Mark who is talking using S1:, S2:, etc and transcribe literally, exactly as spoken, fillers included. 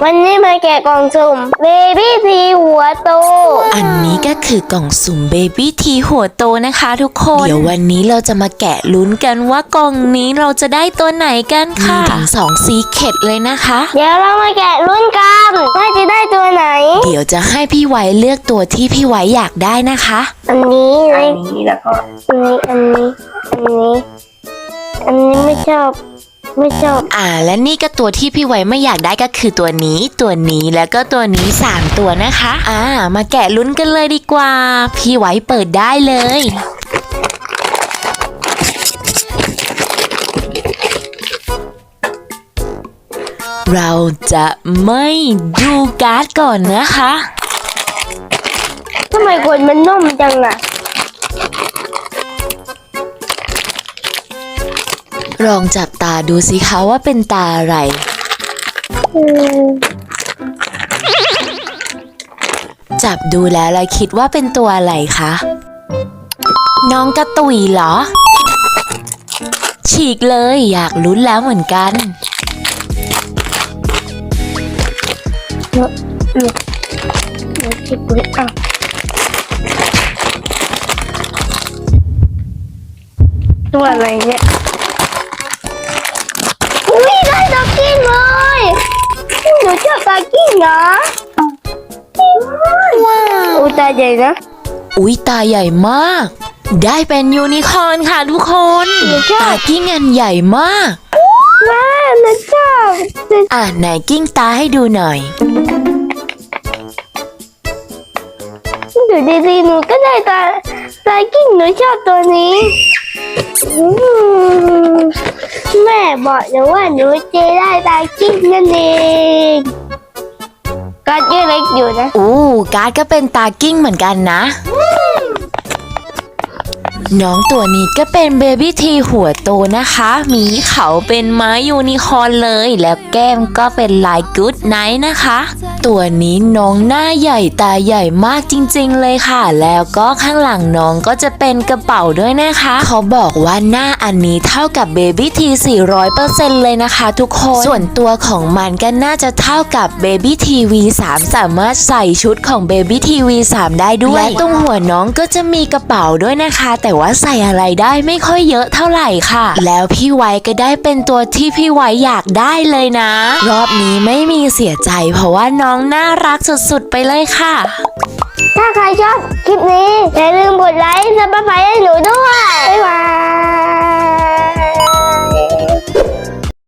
S1: วันนี้มาแกะกล่องสุ่มเบบี้ทีหัวโต
S2: อันนี้ก็คือกล่องสุ่มเบบี้ทีหัวโตนะคะทุกคนเดี๋ยววันนี้เราจะมาแกะลุ้นกันว่ากล่องนี้เราจะได้ตัวไหนกันค่ะมีถึงสองซีเคร็ตเลยนะคะ
S1: เดี๋ยวเรามาแกะลุ้นกันว่าจะได้ตัวไหน
S2: เดี๋ยวจะให้พี่ไว้เลือกตัวที่พี่ไว้อยากได้นะคะ
S1: อันนี้
S3: อันนี้แล้วก็
S1: อันนี้อันนี้อันนี้อันนี้ไม่ชอบไม่ชอบ
S2: อ่าและนี่ก็ตัวที่พี่ไว้ไม่อยากได้ก็คือตัวนี้ตัวนี้แล้วก็ตัวนี้สามตัวนะคะอ่ามาแกะลุ้นกันเลยดีกว่าพี่ไว้เปิดได้เลยเราจะไม่ดูการ์ดก่อนนะคะ
S1: ทำไมกดมันนุ่มจังอะ
S2: ลองจับตาดูสิคะว่าเป็นตาอะไรจับดูแล้วเราคิดว่าเป็นตัวอะไรคะน้องกระตุยเหรอฉีกเลยอยากลุ้นแล้วเหมือนกัน
S1: เนอะเนอะเนอะฉีกเลยอ่ะตัวอะไรเนี่ยอุ้ยได้ดอกกิ้งเลยหนูชอบดอกกิ้งนะว้าวตาใหญ่นะ
S2: อุ๊ยตาใหญ่มากได้เป็นยูนิคอร์นค่ะทุกคนตากิ้งอันใหญ่มาก
S1: แม่หนูชอบ
S2: อ่ะไหนกิ้งตาให้ดูหน่อย
S1: ดูดีๆหนูก็ได้ตาตากิ้งหนูชอบตัวนี้แม่บอกหนูว่าหนูจะได้ตากิ้งนั่นเองการ์ดยังเล็กอยู่นะ
S2: อู้การ์ดก็เป็นตากิ้งเหมือนกันนะน้องตัวนี้ก็เป็นเบบี้ทีหัวโตนะคะมีเขาเป็นไม้ยูนิคอร์นเลยแล้วแก้มก็เป็นลายกู๊ดไนท์นะคะตัวนี้น้องหน้าใหญ่ตาใหญ่มากจริงๆเลยค่ะแล้วก็ข้างหลังน้องก็จะเป็นกระเป๋าด้วยนะคะเขาบอกว่าหน้าอันนี้เท่ากับเบบี้ที สี่ร้อยเปอร์เซ็นต์ เลยนะคะทุกคนส่วนตัวของมันก็น่าจะเท่ากับเบบี้ที วี สาม สามารถใส่ชุดของเบบี้ที วี สาม ได้ด้วยและตรงหัวน้องก็จะมีกระเป๋าด้วยนะคะแต่ว่าใส่อะไรได้ไม่ค่อยเยอะเท่าไหร่ค่ะแล้วพี่ไว้ก็ได้เป็นตัวที่พี่ไว้อยากได้เลยนะรอบนี้ไม่มีเสียใจเพราะว่าน้องน่ารักสุดๆไปเลยค่ะ
S1: ถ้าใครชอบคลิปนี้อย่าลืมกดไลค์ซับสไครบ์ให้หนูด้วยบ๊ายบาย